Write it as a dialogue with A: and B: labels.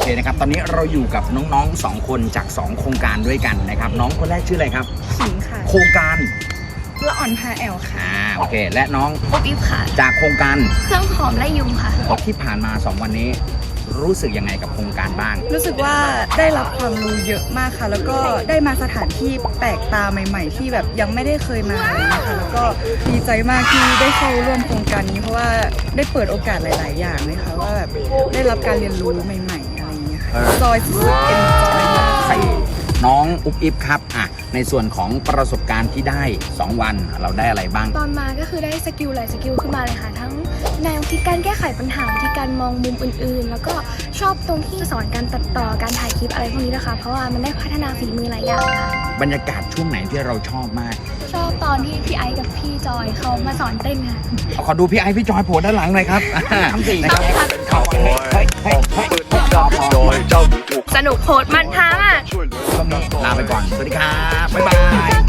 A: เคนะครับตอนนี้เราอยู่กับน้องๆ2คนจาก2โครงการด้วยกันนะครับน้องคนแรกชื่ออะไรครับ
B: ขิงค่ะ
A: โครงการ
B: ละอ่อนพาแอลค่ะ
A: โอเคและน้อง
C: ปุ๊บอิฟค่ะ
A: จากโครงการ
C: เครื่องหอมและยุงค่ะ
A: ที่ผ่านมา2วันนี้รู้สึกยังไงกับโครงการบ้าง
B: รู้สึกว่าได้รับความรู้เยอะมากค่ะแล้วก็ได้มาสถานที่แปลกตาใหม่ๆที่แบบยังไม่ได้เคยมาเลยนะคะแล้วก็ดีใจมากที่ได้เข้าร่วมโครงการนี้เพราะว่าได้เปิดโอกาสหลายๆอย่างเลยค่ะว่าแบบได้รับการเรียนรู้ใหม่ๆอะไรอย่างเงี้ยค่ะจอยสุดๆเอ็นจอยมาก
A: น้องอุ๊บอิ๊บครับในส่วนของประสบการณ์ที่ได้2วันเราได้อะไรบ้าง
C: ตอนมาก็คือได้สกิลหลายสกิลขึ้นมาเลยค่ะทั้งแนวคิดการแก้ไขปัญหาวิธีการมองมุมอื่นๆแล้วก็ชอบตรงที่สอนการตัดต่อการถ่ายคลิปอะไรพวกนี้นะคะเพราะว่ามันได้พัฒนาฝีมือหลายอย่างค่ะ
A: บรรยากาศช่วงไหนที่เราชอบมาก
C: ชอบตอนที่พี่ไอซ์กับพี่จอยเขามาสอนเต้นค่ะ
A: ขอดูพี่ไอซ์พี่จอยโผล่ด้านหลังหน่อยครับทำสี่นะครับ
C: สนุกโหดมันท้าอ่ะ
A: ช่วงนี้ลาไปก่อนสวัสดีครับบ๊ายบาย